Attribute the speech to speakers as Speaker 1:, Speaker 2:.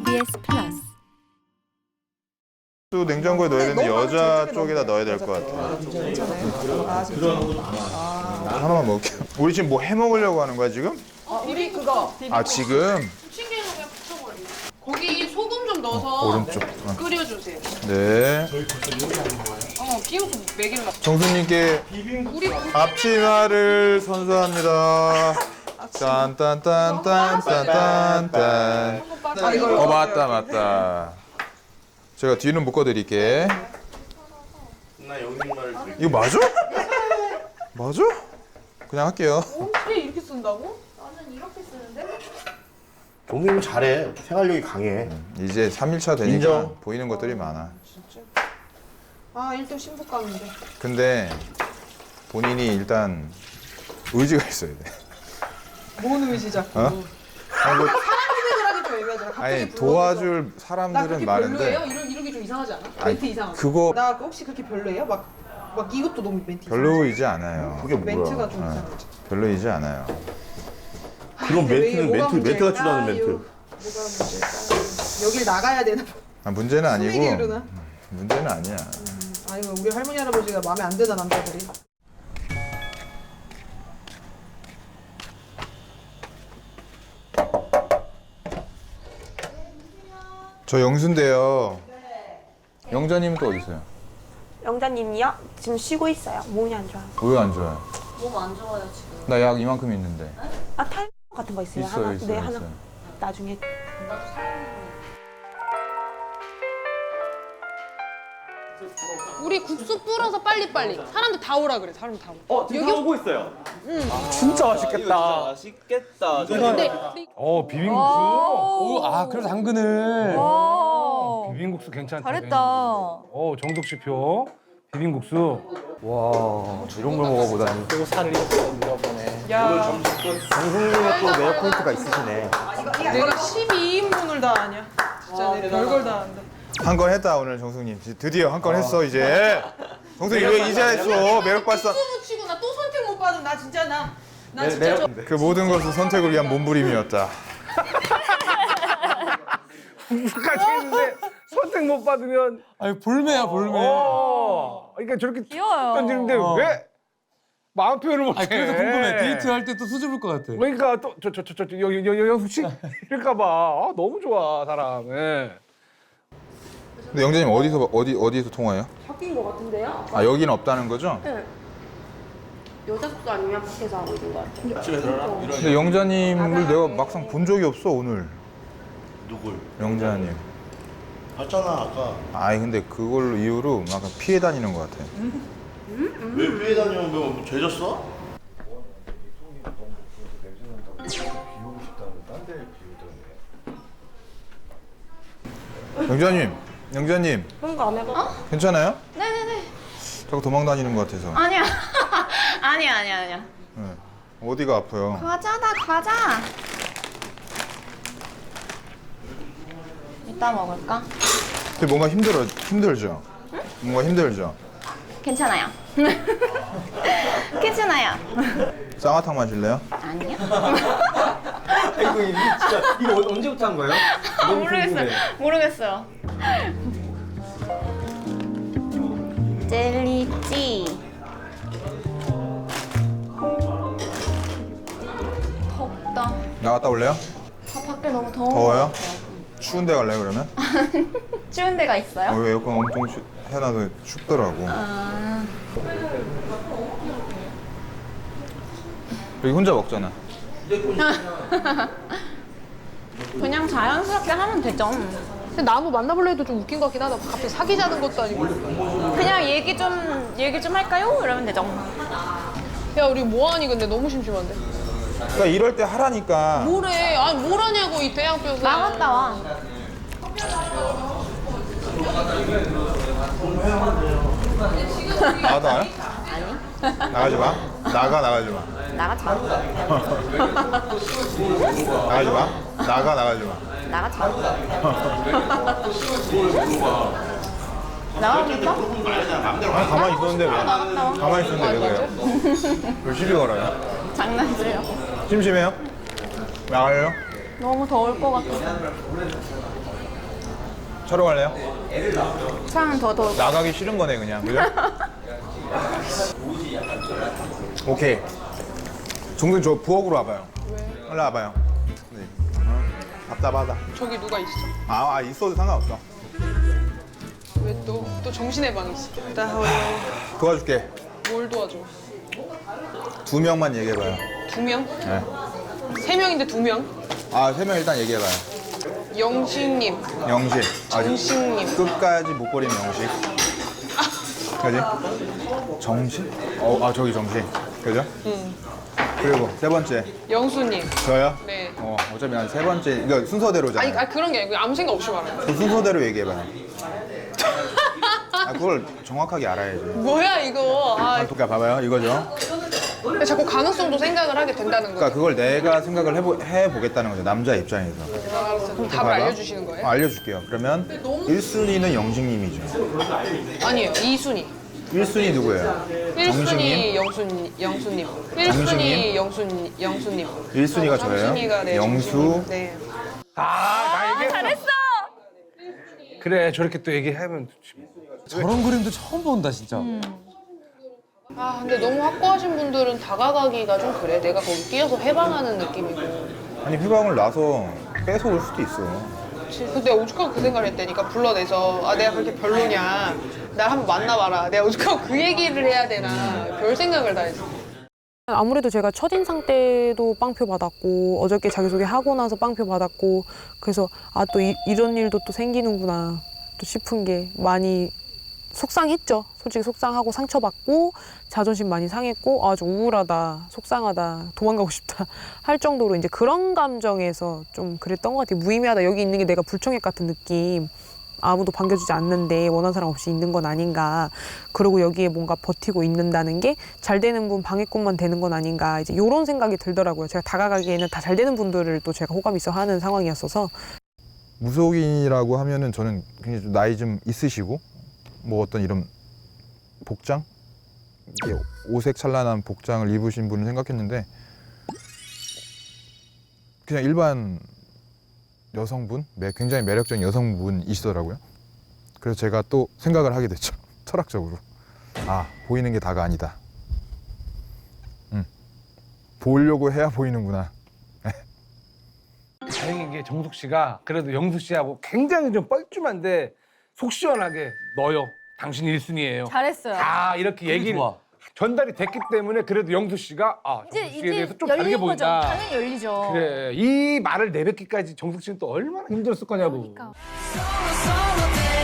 Speaker 1: KBS 플러스.
Speaker 2: 또 냉장고에 넣어야 되는데 여자 쪽에다 넣어야 될 것 같아.
Speaker 3: 괜찮아요? 아, 진짜?
Speaker 2: 하나만 먹을게요. 우리 지금 뭐 해 먹으려고 하는 거야 지금?
Speaker 3: 우리 그거
Speaker 2: 아 지금?
Speaker 4: 찌개는 그냥 붙여버려. 거기 소금 좀 넣어서
Speaker 2: 오른쪽.
Speaker 4: 끓여주세요.
Speaker 2: 네.
Speaker 4: 비우고 먹이려고.
Speaker 2: 정수님께
Speaker 4: 우리
Speaker 2: 앞치마를 선수합니다. 딴딴딴딴딴딴. 맞다. 제가 뒤는 묶어드릴게.
Speaker 5: 나 영님 말을 들을게.
Speaker 2: 이거 맞아? 맞아? 그냥 할게요.
Speaker 3: 어떻게 이렇게 쓴다고?
Speaker 5: 영님 잘해. 생활력이 강해.
Speaker 2: 이제 3일차 되니까
Speaker 5: 인정.
Speaker 2: 보이는 것들이 많아.
Speaker 3: 아, 1등 신부감인데.
Speaker 2: 근데 본인이 일단 의지가 있어야 돼.
Speaker 3: 뭔 의지자?
Speaker 2: 어? 아니, 뭐,
Speaker 3: 생각을 하기 좀 애매하잖아. 갑자기
Speaker 2: 아니
Speaker 3: 불러서.
Speaker 2: 도와줄
Speaker 3: 나
Speaker 2: 사람들은
Speaker 3: 그렇게
Speaker 2: 많은데
Speaker 3: 별로예요? 이러기 좀 이상하지 않아?
Speaker 2: 아니,
Speaker 3: 멘트 이상하지?
Speaker 2: 그거
Speaker 3: 나 혹시 그렇게 별로예요? 막 이것도 너무 멘트 이상하지?
Speaker 2: 별로이지 않아요.
Speaker 5: 그게 뭐야?
Speaker 3: 멘트가 좀
Speaker 2: 어.
Speaker 3: 이상하지?
Speaker 2: 별로이지 않아요.
Speaker 5: 그런
Speaker 3: 근데 왜
Speaker 5: 멘트는
Speaker 3: 뭐가
Speaker 5: 멘트가 치라는
Speaker 3: 문제일까요?
Speaker 5: 멘트.
Speaker 3: 뭐가 문제일까요? 여길 나가야 되나?
Speaker 2: 아, 문제는
Speaker 3: 숨이
Speaker 2: 아니고
Speaker 3: 게으르나?
Speaker 2: 문제는 아니야.
Speaker 3: 아니면 우리 할머니 할아버지가 마음에 안 드나 남자들이?
Speaker 2: 저 영수인데요. 영자님은 또 어디 있어요?
Speaker 6: 영자님이요? 지금 쉬고 있어요. 몸이 안 좋아요.
Speaker 2: 왜 안 좋아요?
Speaker 4: 몸 안 좋아요 지금.
Speaker 2: 나 약 이만큼 있는데.
Speaker 6: 아, 탈모 같은 거 있어요?
Speaker 2: 있어요,
Speaker 6: 하나?
Speaker 2: 있어요,
Speaker 6: 네, 하나.
Speaker 2: 있어요.
Speaker 6: 나중에.
Speaker 4: 우리 국수 뿌려서 빨리빨리. 사람들 다 오라 그래. 사람들 다 오라.
Speaker 7: 지금 다 오고 있어요. 진짜 맛있겠다. 맛있겠다.
Speaker 4: 근데
Speaker 8: 비빔국수? 오, 아, 그래서 당근을. 비빔국수 괜찮다.
Speaker 1: 잘했다.
Speaker 8: 정덕씨표. 비빔국수. 와, 이런 걸 먹어보다니.
Speaker 7: 또 살을 잃어보네.
Speaker 3: 야,
Speaker 5: 정승님은 또 매력 포인트가 있으시네.
Speaker 3: 내가 12인분을 다 아냐? 진짜 내 별걸 다 안다.
Speaker 2: 한 건 했다 오늘 정숙님. 드디어 한 건 했어 이제. 정숙이 왜 이제 했어? 매력 발산.
Speaker 3: 국수 묻히고 나 또 선택 못 받은 나 진짜 나 진짜 저
Speaker 2: 그 모든 것은 선택을 위한 몸부림이었다.
Speaker 8: 국수까지 했는데 선택 못 받으면.
Speaker 7: 아니 볼매야 볼매.
Speaker 8: 그러니까 저렇게
Speaker 1: 귀여워요.
Speaker 8: 던지는데 왜 마음 표현을 못해?
Speaker 7: 아니 그래서 궁금해. 데이트할 때 또 수줍을 것 같아.
Speaker 8: 그러니까 또 영숙 씨 이럴까봐 너무 좋아 사람. 예.
Speaker 2: 근데 영자님 어디서 통화해요?
Speaker 6: 바뀐 것 같은데요?
Speaker 2: 아 여기는 없다는 거죠?
Speaker 6: 네. 여자 숙소 아니면 밖에서 하고 있는 것 같아요.
Speaker 5: 집에 들어라.
Speaker 2: 근데 영자님을 내가 막상 본 적이 없어 오늘.
Speaker 5: 누굴?
Speaker 2: 영자님.
Speaker 5: 봤잖아 아까.
Speaker 2: 아이 근데 그걸로 이유로 막 피해 다니는 것 같아.
Speaker 5: 왜 위에 다니면 뭐 죄졌어?
Speaker 2: 영자님
Speaker 6: 그런 거 안 해봐?
Speaker 2: 괜찮아요? 네네네. 자꾸 도망 다니는 것 같아서.
Speaker 9: 아니야. 아니야.
Speaker 2: 네. 어디가 아파요?
Speaker 9: 과자다, 과자. 이따 먹을까?
Speaker 2: 근데 뭔가 힘들죠? 응? 뭔가 힘들죠?
Speaker 9: 괜찮아요. 괜찮아요.
Speaker 2: 쌍화탕 마실래요?
Speaker 9: 아니요.
Speaker 7: 이거 언제부터 한 거예요?
Speaker 9: 모르겠어요. 젤리찌. 덥다.
Speaker 2: 나갔다 올래요?
Speaker 9: 밖에 너무 더워.
Speaker 2: 더워요? 추운 데 갈래요 그러면?
Speaker 9: 추운 데가 있어요?
Speaker 2: 왜 에어컨 엄청 해놔도 춥더라고.
Speaker 9: 아,
Speaker 2: 여기 혼자 먹잖아.
Speaker 9: 그냥 자연스럽게 하면 되죠.
Speaker 4: 근데 나무 만나볼래 해도 좀 웃긴 것 같긴 하다. 갑자기 사귀자는 것도 아니고.
Speaker 9: 그냥 얘기 좀 할까요? 이러면 되죠.
Speaker 4: 야 우리 뭐하니 근데 너무 심심한데.
Speaker 2: 그러니까 이럴 때 하라니까.
Speaker 4: 뭐래? 아니 뭘 하냐고 이 대양뼈가.
Speaker 9: 나갔다 와.
Speaker 2: 나가도 와요? 아니. 나가지 마. 나가지 마.
Speaker 9: 나가지 마.
Speaker 2: 나가지 마. 나가지 마.
Speaker 9: 나가지 마. 나가겠어?
Speaker 2: 아니, 가만히 있었는데 왜?
Speaker 9: 나갔다 와.
Speaker 2: 가만히 있었는데 왜 그래요? 왜 시비 걸어요?
Speaker 9: 장난치려.
Speaker 2: 심심해요? 나가요?
Speaker 9: 너무 더울 것 같아서.
Speaker 2: 촬영할래요?
Speaker 6: 차는 더
Speaker 2: 나가기 싫은 거네 그냥 그죠? 오케이. 종근 저 부엌으로 와봐요. 왜? 올라 와봐요. 네. 답답하다.
Speaker 3: 저기 누가 있어?
Speaker 2: 있어도 상관없어.
Speaker 3: 왜 또 정신의 방이 있어? 나
Speaker 2: 도와줄게.
Speaker 3: 뭘 도와줘?
Speaker 2: 2명만 얘기해봐요.
Speaker 3: 2명?
Speaker 2: 네.
Speaker 3: 3명인데 2명?
Speaker 2: 3명 일단 얘기해봐요.
Speaker 3: 영식님,
Speaker 2: 영식.
Speaker 3: 정식님.
Speaker 2: 끝까지 못 버리는 영식. 그지? 정식? 저기 정식. 그죠? 그리고 3번째.
Speaker 3: 영수님.
Speaker 2: 저요?
Speaker 3: 네.
Speaker 2: 어차피 한 3번째. 이거 순서대로잖아요.
Speaker 3: 아니 그런 게 아니고 아무 생각 없이 말하는
Speaker 2: 그 순서대로 얘기해봐요. 그걸 정확하게 알아야지.
Speaker 3: 뭐야 이거?
Speaker 2: 그러니까 봐봐요. 이거죠.
Speaker 3: 자꾸 가능성도 생각을 하게 된다는
Speaker 2: 그러니까
Speaker 3: 거죠.
Speaker 2: 그걸 내가 생각을 해보겠다는 거죠. 남자 입장에서.
Speaker 3: 알았어. 그럼 답을
Speaker 2: 봐봐.
Speaker 3: 알려주시는 거예요?
Speaker 2: 알려줄게요. 그러면 1순위는 영식님이죠.
Speaker 3: 아니에요. 2순위.
Speaker 2: 1순위 누구예요?
Speaker 3: 1순위 영수님. 1순위 영수님.
Speaker 2: 1순위가 저예요?
Speaker 3: 3순위가 네,
Speaker 2: 영수.
Speaker 3: 정식님. 네.
Speaker 8: 나 얘기했어. 잘했어. 그래 저렇게 또 얘기하면 좋지.
Speaker 7: 저런 그림도 처음 본다 진짜.
Speaker 3: 근데 너무 확고하신 분들은 다가가기가 좀 그래. 내가 거기 끼어서 해방하는 느낌이고.
Speaker 2: 아니 휴방을 놔서 뺏어올 수도 있어.
Speaker 3: 근데 오죽하고 그 생각을 했다니까. 불러내서 내가 그렇게 별로냐. 날 한번 만나봐라. 내가 오죽하고 그 얘기를 해야 되나. 별 생각을 다 했어.
Speaker 1: 아무래도 제가 첫인상 때도 빵표 받았고 어저께 자기소개 하고 나서 빵표 받았고 그래서 또 이런 일도 또 생기는구나 또 싶은 게 많이 속상했죠. 솔직히 속상하고 상처받고 자존심 많이 상했고 좀 우울하다, 속상하다, 도망가고 싶다 할 정도로 이제 그런 감정에서 좀 그랬던 것 같아요. 무의미하다. 여기 있는 게 내가 불청객 같은 느낌. 아무도 반겨주지 않는데 원하는 사람 없이 있는 건 아닌가. 그리고 여기에 뭔가 버티고 있는다는 게 잘 되는 분 방해꾼만 되는 건 아닌가. 이제 이런 생각이 들더라고요. 제가 다가가기에는 다 잘 되는 분들을 또 제가 호감 있어 하는 상황이었어서.
Speaker 2: 무속인이라고 하면은 저는 굉장히 좀 나이 좀 있으시고 뭐 어떤 이런 복장? 이게 오색 찬란한 복장을 입으신 분을 생각했는데 그냥 일반 여성분? 굉장히 매력적인 여성분이시더라고요. 그래서 제가 또 생각을 하게 됐죠. 철학적으로. 보이는 게 다가 아니다. 보려고 해야 보이는구나.
Speaker 8: 다행인 게 정숙 씨가 그래도 영수 씨하고 굉장히 좀 뻘쭘한데 속 시원하게 너요. 당신 1순위예요.
Speaker 9: 잘했어요.
Speaker 8: 다 이렇게 얘기를
Speaker 7: 좋아.
Speaker 8: 전달이 됐기 때문에 그래도 영수 씨가 정숙 씨에 대해서 좀 다르게
Speaker 9: 열린 거죠.
Speaker 8: 보인다.
Speaker 9: 당연히 열리죠.
Speaker 8: 그래 이 말을 내뱉기까지 정숙 씨는 또 얼마나 힘들었을 거냐고.
Speaker 9: 그러니까.
Speaker 10: So, so,